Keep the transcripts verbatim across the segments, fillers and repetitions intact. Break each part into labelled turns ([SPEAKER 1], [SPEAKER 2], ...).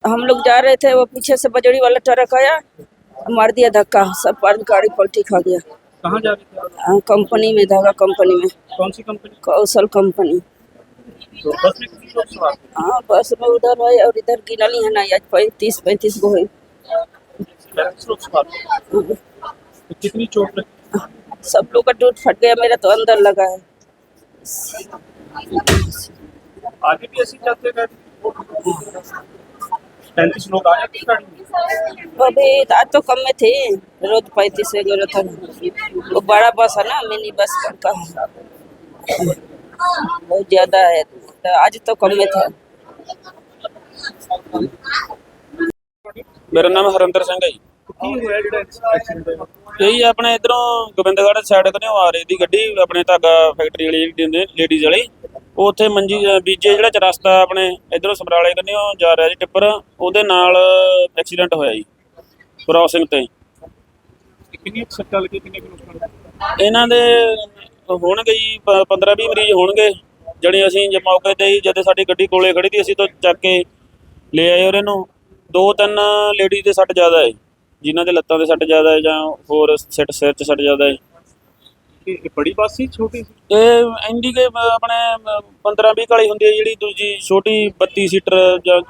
[SPEAKER 1] हम लोग जा रहे थे, वो पीछे से बजड़ी वाला ट्रक आया, मार दिया धक्का, सब पर गाड़ी पलटी खा गया।
[SPEAKER 2] कहाँ जा रहे थे आप?
[SPEAKER 1] हाँ, कंपनी में, धागा कंपनी में,
[SPEAKER 2] कौन सी कंपनी?
[SPEAKER 1] कौशल कंपनी।
[SPEAKER 2] तो बस में कितने लोग सवार थे?
[SPEAKER 1] हाँ, बस में उधर है और इधर गिनली है ना, आज पैंतीस पैंतीस गो है।
[SPEAKER 2] पैंतीस लोग सवार थे। तो कितनी चोट लगी?
[SPEAKER 1] सब लोग का टूट फट गया, मेरा तो अंदर लगा है।
[SPEAKER 2] आगे भी ऐसे चलते गए? पैंतीस लोग आए थे गाड़ी में?
[SPEAKER 1] अभी आज तो कम में थे, रोज पैंतीस वगैरह था। वो बड़ा बस है ना, मिनी बस का है, बहुत ज्यादा है, तो आज तो कम में था।
[SPEAKER 3] मेरा नाम हरिंदर सिंह है जी।
[SPEAKER 2] ਕੀ ਹੋਇਆ ਜਿਹੜਾ ਐਕਸੀਡੈਂਟ ਹੋਇਆ?
[SPEAKER 3] ਇਹੀ ਆਪਣੇ ਇਧਰੋਂ ਗੋਬਿੰਦਗੜ੍ਹ ਸਾਈਡ ਤੋਂ ਆ ਰਹੀ ਦੀ ਗੱਡੀ, ਆਪਣੇ ਧਾਗਾ ਫੈਕਟਰੀ ਵਾਲੀ ਜਿਹੜੀ ਲੇਡੀਜ਼ ਵਾਲੀ, ਉਹ ਉੱਥੇ ਮੰਜੀ ਬੀਜੇ ਜਿਹੜਾ ਚ ਰਸਤਾ ਆਪਣੇ ਇਧਰੋਂ ਸਮਰਾਲੇ ਕੰਨਿਓ ਜਾ ਰਿਹਾ ਜੀ ਟਿੱਪਰ, ਉਹਦੇ ਨਾਲ ਐਕਸੀਡੈਂਟ ਹੋਇਆ ਜੀ ਕ੍ਰਾਸਿੰਗ ਤੇ।
[SPEAKER 2] ਕਿੰਨੀ ਸੱਟਾਂ ਲੱਗੀ, ਕਿੰਨੇ ਲੋਕਾਂ ਨੂੰ?
[SPEAKER 3] ਇਹਨਾਂ ਦੇ ਹੋਣਗੇ ਜੀ ਪੰਦਰਾਂ ਵੀਹ ਮਰੀਜ਼ ਹੋਣਗੇ, ਜਿਹੜੇ ਅਸੀਂ ਜੇ ਮੌਕੇ ਤੇ ਹੀ ਜਦੋਂ ਸਾਡੀ ਗੱਡੀ ਕੋਲੇ ਖੜੀ ਸੀ ਅਸੀਂ ਤਾਂ ਚੱਕ ਕੇ ਲੈ ਆਏ ਉਹਨਾਂ ਨੂੰ। ਦੋ ਤਿੰਨ ਲੇਡੀਜ਼ ਦੇ ਸੱਟ ਜ਼ਿਆਦਾ ਹੈ, ਜਿਨ੍ਹਾਂ ਦੇ ਲੱਤਾਂ 'ਤੇ ਸੱਟ ਜ਼ਿਆਦਾ ਹੈ ਜਾਂ ਹੋਰ ਸਿਰ ਸਿਰ 'ਚ ਸੱਟ ਜ਼ਿਆਦਾ ਹੈ।
[SPEAKER 2] ਇਹ ਬੜੀ ਬੱਸ ਸੀ ਛੋਟੀ ਸੀ?
[SPEAKER 3] ਇਹ ਇੰਡੀਕੇ ਆਪਣੇ ਪੰਦਰਾਂ ਵੀਹ ਵਾਲੀ ਹੁੰਦੀ ਹੈ, ਜਿਹੜੀ ਦੂਜੀ ਛੋਟੀ ਬੱਤੀ ਸੀਟਰ ਜਾਂ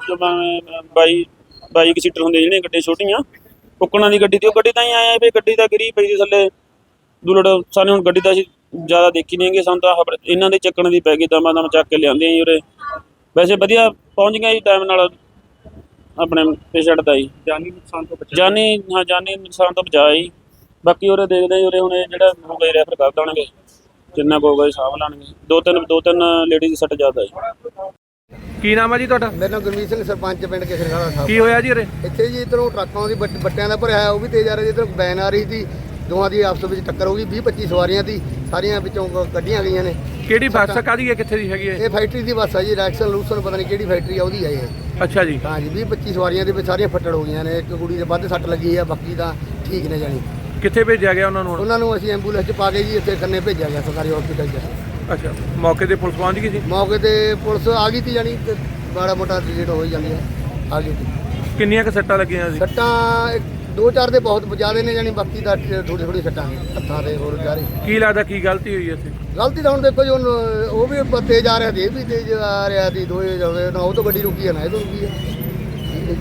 [SPEAKER 3] ਬਾਈ ਬਾਈ ਕੁ ਸੀਟਰ ਹੁੰਦੀ ਜਿਹੜੀਆਂ ਗੱਡੀਆਂ ਛੋਟੀਆਂ ਕੁੱਕਣਾ ਦੀ ਗੱਡੀ ਦੀ। ਉਹ ਗੱਡੀ ਤਾਂ ਹੀ ਆਇਆ ਵੀ ਗੱਡੀ ਤਾਂ ਗਿਰੀ ਪਈ ਸੀ ਥੱਲੇ ਦੁਲੜ। ਸਾਨੂੰ ਹੁਣ ਗੱਡੀ ਤਾਂ ਅਸੀਂ ਜ਼ਿਆਦਾ ਦੇਖੀ ਨਹੀਂ ਹੈਗੀ, ਸਾਨੂੰ ਤਾਂ ਇਹਨਾਂ ਦੇ ਚੱਕਣ ਦੀ ਪੈ ਗਈ, ਦਮਾ ਦਮ ਚੱਕ ਕੇ ਲਿਆਂਦੇ ਜੀ ਉਰੇ। ਵੈਸੇ ਵਧੀਆ ਪਹੁੰਚ ਗਿਆ ਜੀ ਟਾਈਮ ਨਾਲ ਆਪਣੇ ਪੇਸ਼ੈਂਟ ਦਾ ਜੀ।
[SPEAKER 2] ਜਾਨੀ ਨੁਕਸਾਨ ਤੋਂ ਬਚਾ?
[SPEAKER 3] ਜਾਨੀ ਹਾਂ, ਜਾਨੀ ਨੁਕਸਾਨ ਤੋਂ ਬਚਾਅ ਜੀ। ਬਾਕੀ ਉਰੇ ਦੇਖਦੇ ਜੀ, ਉਰੇ ਹੁਣ ਇਹ ਜਿਹੜਾ ਹੋ ਗਏ ਰੈਫਰ ਕਰ ਦੇਣਗੇ, ਜਿੰਨਾ ਕੁ ਹੋਊਗਾ ਸਾਂਭ ਲੈਣਗੇ। ਦੋ ਤਿੰਨ ਦੋ ਤਿੰਨ ਲੇਡੀਜ਼ ਦੀ ਸੱਟ ਜ਼ਿਆਦਾ ਜੀ।
[SPEAKER 4] ਕੀ ਨਾਮ ਹੈ ਜੀ ਤੁਹਾਡਾ?
[SPEAKER 5] ਮੇਰਾ ਨਾਮ ਗੁਰਮੀਤ ਸਿੰਘ, ਸਰਪੰਚ ਪਿੰਡ ਕੇਸਰਖਾਲਾ ਸਾਹਿਬ।
[SPEAKER 4] ਕੀ ਹੋਇਆ ਜੀ ਉਰੇ?
[SPEAKER 5] ਇੱਥੇ ਜੀ ਇੱਧਰੋਂ ਟਰੱਕਾਂ ਦੀ ਬੱਟ- ਬੱਟਿਆਂ ਦਾ ਭਰਿਆ ਹੋਇਆ, ਉਹ ਵੀ ਤੇਜ਼ ਆ ਰਿਹਾ ਜੀ। ਇੱਧਰੋਂ ਵੈਨ ਆ ਰਹੀ ਸੀ, ਦੋਵਾਂ ਦੀ ਆਪਸ ਵਿੱਚ ਟੱਕਰ ਹੋ ਗਈ। ਵੀਹ ਪੱਚੀ ਸਵਾਰੀਆਂ ਦੀ, ਸਾਰੀਆਂ ਵਿੱਚੋਂ ਕੱਢੀਆਂ ਗਈਆਂ ਨੇ।
[SPEAKER 4] ਕਿਹੜੀ ਬੱਸ ਕਾਹਦੀ ਹੈ, ਕਿੱਥੇ ਦੀ ਹੈਗੀ ਹੈ?
[SPEAKER 5] ਇਹ ਫੈਕਟਰੀ ਦੀ ਬੱਸ ਆ ਜੀ, ਰੈਕਸਨ ਲੂਸਨ ਪਤਾ ਨਹੀਂ ਕਿਹੜੀ ਫੈਕਟਰੀ ਆ ਉਹਦੀ ਆ ਇਹ।
[SPEAKER 4] ਅੱਛਾ ਜੀ।
[SPEAKER 5] ਹਾਂ ਜੀ, ਵੀਹ ਪੱਚੀ ਸਵਾਰੀਆਂ ਦੇ ਵਿੱਚ ਸਾਰੀਆਂ ਫੱਟੜ ਹੋ ਗਈਆਂ ਨੇ। ਇੱਕ ਕੁੜੀ ਦੇ ਵੱਧ ਸੱਟ ਲੱਗੀ ਆ, ਬਾਕੀ ਤਾਂ ਠੀਕ ਨੇ ਜਾਣੀ।
[SPEAKER 4] ਕਿੱਥੇ ਭੇਜਿਆ ਗਿਆ ਉਹਨਾਂ ਨੂੰ ਹੁਣ?
[SPEAKER 5] ਉਹਨਾਂ ਨੂੰ ਅਸੀਂ ਐਂਬੂਲੈਂਸ 'ਚ ਪਾ ਕੇ ਜੀ ਇੱਥੇ ਖੰਨੇ ਭੇਜਿਆ ਗਿਆ ਸਰਕਾਰੀ ਹਸਪੀਟਲ 'ਚ।
[SPEAKER 4] ਅੱਛਾ, ਮੌਕੇ ਤੇ ਪੁਲਿਸ ਪਹੁੰਚ ਗਈ ਸੀ?
[SPEAKER 5] ਮੌਕੇ ਤੇ ਪੁਲਿਸ ਆ ਗਈ ਸੀ ਜਾਣੀ, ਤੇ ਮਾੜਾ ਮੋਟਾ ਡਿਲੀਟ ਹੋ ਹੀ ਜਾਂਦੀ ਹੈ, ਆ ਗਈ ਸੀ।
[SPEAKER 4] ਕਿੰਨੀਆਂ ਕੁ ਸੱਟਾਂ ਲੱਗੀਆਂ ਸੀ?
[SPEAKER 5] ਸੱਟਾਂ ਇੱਕ- ਦੋ ਚਾਰ ਦੇ ਬਹੁਤ ਜ਼ਿਆਦਾ ਨੇ ਜਾਣੀ, ਬਾਕੀ ਦਾ ਥੋੜੀ ਥੋੜੀ ਸੱਟਾਂ ਨੇ ਹੱਥਾਂ ਦੇ ਹੋਰ ਜਾਰੇ।
[SPEAKER 4] ਕੀ ਲੱਗਦਾ ਕੀ ਗਲਤੀ ਹੋਈ ਇੱਥੇ?
[SPEAKER 5] ਗਲਤੀ ਤਾਂ ਹੁਣ ਦੇਖੋ ਜੀ, ਹੁਣ ਉਹ ਵੀ ਬ- ਤੇਜ਼ ਆ ਰਿਹਾ ਸੀ, ਇਹ ਵੀ ਤੇਜ਼ ਆ ਰਿਹਾ ਸੀ, ਦੋਏ ਜਾਵੇ ਨਾ ਉਹ ਤੋਂ ਗੱਡੀ ਰੁਕੀ ਹੈ ਨਾ ਇਹ ਤੋਂ ਰੁਕੀ ਹੈ।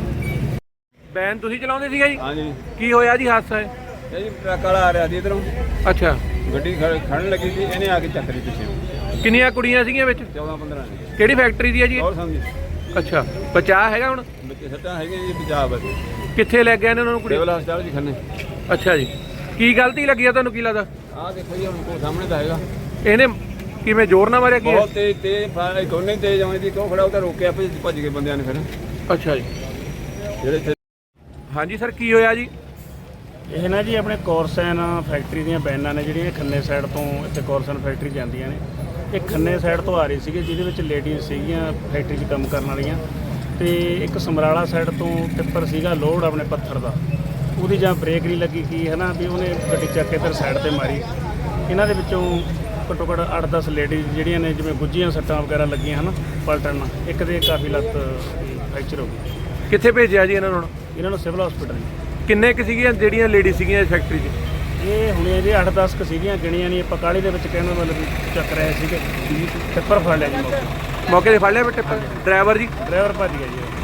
[SPEAKER 4] ਵੈਨ ਤੁਸੀਂ ਚਲਾਉਂਦੇ ਸੀਗਾ ਜੀ?
[SPEAKER 6] ਹਾਂਜੀ,
[SPEAKER 4] ਕੀ ਹੋਇਆ ਜੀ ਹਾਦਸਾ ਹੈ?
[SPEAKER 6] ਇਹ ਜੀ ਟਰੱਕ ਵਾਲਾ ਆ ਰਿਹਾ ਸੀ ਇਧਰੋਂ,
[SPEAKER 4] ਅੱਛਾ,
[SPEAKER 6] ਗੱਡੀ ਖੜ- ਖੜਨ ਲੱਗੀ ਸੀ, ਇਹਨੇ ਆ ਕੇ ਚੱਕ ਲਈ ਪਿੱਛੇ।
[SPEAKER 4] ਕਿੰਨੀਆਂ ਕੁੜੀਆਂ ਸੀਗੀਆਂ ਵਿੱਚ?
[SPEAKER 6] ਚੌਦਾਂ ਪੰਦਰਾਂ ਨੇ।
[SPEAKER 4] ਕਿਹੜੀ ਫੈਕਟਰੀ ਦੀ ਹੈ ਜੀ?
[SPEAKER 6] ਹੋਰ ਸਮਝੀ
[SPEAKER 4] ਅੱਛਾ, ਬਚਾਅ ਹੈਗਾ ਹੁਣ?
[SPEAKER 6] ਬੱਚੇ ਸੱਟਾਂ ਹੈਗੀਆਂ ਜੀ, ਪੰਜਾਬ ਬਸ
[SPEAKER 4] ਕਿੱਥੇ ਲੈ ਗਏ ਨੇ ਉਹਨਾਂ ਨੂੰ ਕੁੜੀ?
[SPEAKER 6] ਸਿਵਲ ਹਸਪਤਾਲ ਜੀ ਖੰਨੇ।
[SPEAKER 4] ਅੱਛਾ ਜੀ, ਕੀ ਗਲਤੀ ਲੱਗੀ ਆ ਤੁਹਾਨੂੰ, ਕੀ ਲੱਗਦਾ?
[SPEAKER 6] ਆਹ ਦੇਖੋ ਜੀ, ਹੁਣ ਕੋਲ ਸਾਹਮਣੇ ਤਾਂ ਹੈਗਾ।
[SPEAKER 4] ਇਹਨੇ ਕਿਵੇਂ ਜ਼ੋਰ ਨਾਲ ਮਾਰਿਆ ਕੀ?
[SPEAKER 6] ਬਹੁਤ ਤੇਜ਼ ਤੇਜ਼ ਫਾਇਰ, ਦੋਨੇ ਤੇਜ਼ ਆਉਂਦੇ ਸੀ। ਕਿਉਂ ਖੜਾ ਉਹ ਤਾਂ ਰੋਕਿਆ, ਭੱਜ ਭੱਜ ਗਏ ਬੰਦਿਆਂ ਨੇ ਫਿਰ
[SPEAKER 4] ਅੱਛਾ ਜੀ।
[SPEAKER 6] ਜਿਹੜੇ ਇੱਥੇ।
[SPEAKER 4] ਹਾਂਜੀ ਸਰ, ਕੀ ਹੋਇਆ ਜੀ?
[SPEAKER 2] ਇਹ ਨਾ ਜੀ ਆਪਣੇ ਕੋਰਸਨ ਫੈਕਟਰੀ ਦੀਆਂ ਵੈਨਾਂ ਨੇ, ਜਿਹੜੀਆਂ ਖੰਨੇ ਸਾਈਡ ਤੋਂ ਇੱਥੇ ਕੋਰਸਨ ਫੈਕਟਰੀ ਜਾਂਦੀਆਂ ਨੇ। ਇਹ ਖੰਨੇ ਸਾਈਡ ਤੋਂ ਆ ਰਹੀ ਸੀਗੀ, ਜਿਹਦੇ ਵਿੱਚ ਲੇਡੀਜ਼ ਸੀਗੀਆਂ ਫੈਕਟਰੀ 'ਚ ਕੰਮ ਕਰਨ ਵਾਲੀਆਂ, ਤੇ ਇੱਕ ਸਮਰਾਲਾ ਸਾਈਡ ਤੋਂ ਟਿੱਪਰ ਸੀਗਾ ਲੋਡ ਆਪਣੇ ਪੱਥਰ ਦਾ, ਉਹਦੀ ਜਾਂ ਬ੍ਰੇਕ ਨਹੀਂ ਲੱਗੀ ਕੀ ਹੈ ਨਾ, ਵੀ ਉਹਨੇ ਗੱਡੀ ਚੱਕ ਕੇ ਫਿਰ ਸਾਈਡ ਤੇ ਮਾਰੀ। ਇਹਨਾਂ ਦੇ ਵਿੱਚੋਂ ਘੱਟੋ ਘੱਟ ਅੱਠ ਦਸ ਲੇਡੀਜ਼ ਜਿਹੜੀਆਂ ਨੇ, ਜਿਵੇਂ ਗੁੱਝੀਆਂ ਸੱਟਾਂ ਵਗੈਰਾ ਲੱਗੀਆਂ ਹਨ ਪਲਟਣ ਨਾਲ, ਇੱਕ ਦੇ ਕਾਫੀ ਲੱਤ ਫ੍ਰੈਕਚਰ ਹੋ ਗਈ।
[SPEAKER 4] ਕਿੱਥੇ ਭੇਜਿਆ ਜੀ ਇਹਨਾਂ ਨੂੰ?
[SPEAKER 2] ਇਹਨਾਂ ਨੂੰ ਸਿਵਲ ਹਸਪੀਟਲ।
[SPEAKER 4] ਕਿੰਨੇ ਕੁ ਸੀਗੀਆਂ ਜਿਹੜੀਆਂ ਲੇਡੀ ਸੀਗੀਆਂ ਇਸ ਫੈਕਟਰੀ 'ਚ?
[SPEAKER 2] ਇਹ ਹੁਣੇ ਜੀ ਅੱਠ ਦਸ ਕੁ ਸੀਗੀਆਂ, ਗਿਣੀਆਂ ਨਹੀਂ ਆਪਾਂ, ਕਾਹਲੀ ਦੇ ਵਿੱਚ ਕਹਿੰਦਾ ਮਤਲਬ ਵੀ ਚੱਕ ਰਹੇ ਸੀਗੇ। ਟਿੱਪਰ ਫੜ ਲਿਆ ਜੀ ਮੌਕੇ
[SPEAKER 4] ਮੌਕੇ ਤੇ ਫੜ ਲਿਆ ਬੇਟੇ? ਡਰਾਈਵਰ ਜੀ?
[SPEAKER 2] ਡਰਾਈਵਰ ਭੱਜ ਗਿਆ ਜੀ।